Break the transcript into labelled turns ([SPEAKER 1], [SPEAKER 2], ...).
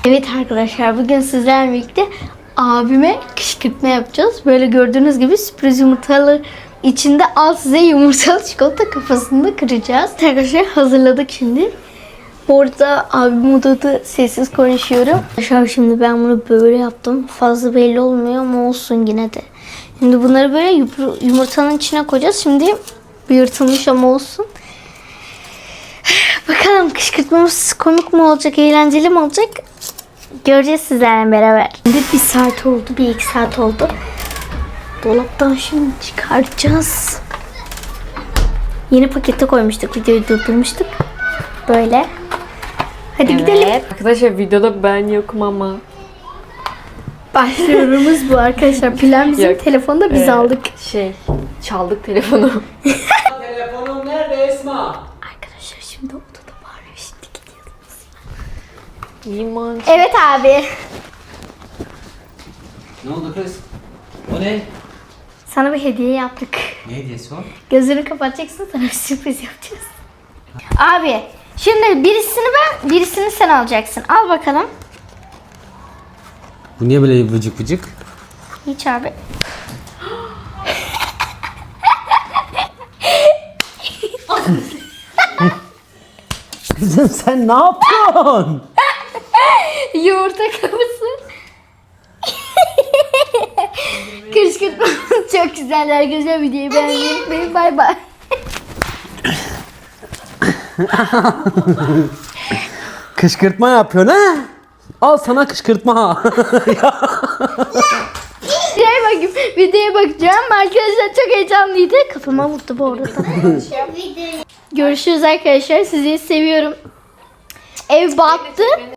[SPEAKER 1] Evet arkadaşlar, bugün sizlerle birlikte abime kışkırtma yapacağız. Böyle gördüğünüz gibi sürpriz yumurtalar içinde al size yumurtalı çikolata kafasında kıracağız. Arkadaşlar hazırladık şimdi. Bu arada abim odada sessiz konuşuyorum. Arkadaşlar şimdi ben bunu böyle yaptım. Fazla belli olmuyor ama olsun yine de. Şimdi bunları böyle yumurtanın içine koyacağız. Şimdi bir yırtılmış ama olsun. Bakalım kışkırtmamız komik mi olacak, eğlenceli mi olacak? Göreceğiz sizlerle beraber. Şimdi bir saat oldu, bir iki saat oldu. Dolaptan şimdi çıkaracağız. Yeni pakete koymuştuk, videoyu durdurmuştuk. Böyle. Hadi gidelim.
[SPEAKER 2] Arkadaşlar videoda ben yokum ama.
[SPEAKER 1] Başlıyorumuz bu arkadaşlar. Plan bizim telefonda biz aldık.
[SPEAKER 2] Çaldık telefonu.
[SPEAKER 3] Telefonum nerede Esma?
[SPEAKER 1] Arkadaşlar şimdi odada bağırıyor. Şimdi gidiyoruz.
[SPEAKER 2] Liman.
[SPEAKER 1] Evet abi.
[SPEAKER 3] Ne oldu kız? O ne?
[SPEAKER 1] Sana bir hediye yaptık.
[SPEAKER 3] Ne hediyesi o?
[SPEAKER 1] Gözünü kapatacaksın, sana bir sürpriz yapacağız. Abi şimdi birisini ben, birisini sen alacaksın. Al bakalım.
[SPEAKER 3] Bu niye böyle vıcık vıcık?
[SPEAKER 1] Hiç abi.
[SPEAKER 3] Kızım sen ne yapıyorsun?
[SPEAKER 1] Yumurta kafası. Kışkırtmamız çok güzel arkadaşlar. Videoyu beğenmeyi unutmayın. Bay bay.
[SPEAKER 3] Kışkırtma yapıyorsun ha? Al sana kışkırtma.
[SPEAKER 1] Videoya bakacağım. Arkadaşlar çok heyecanlıydı. Kafama vurdu bu arada. Görüşürüz arkadaşlar. Sizi seviyorum. Ev battı.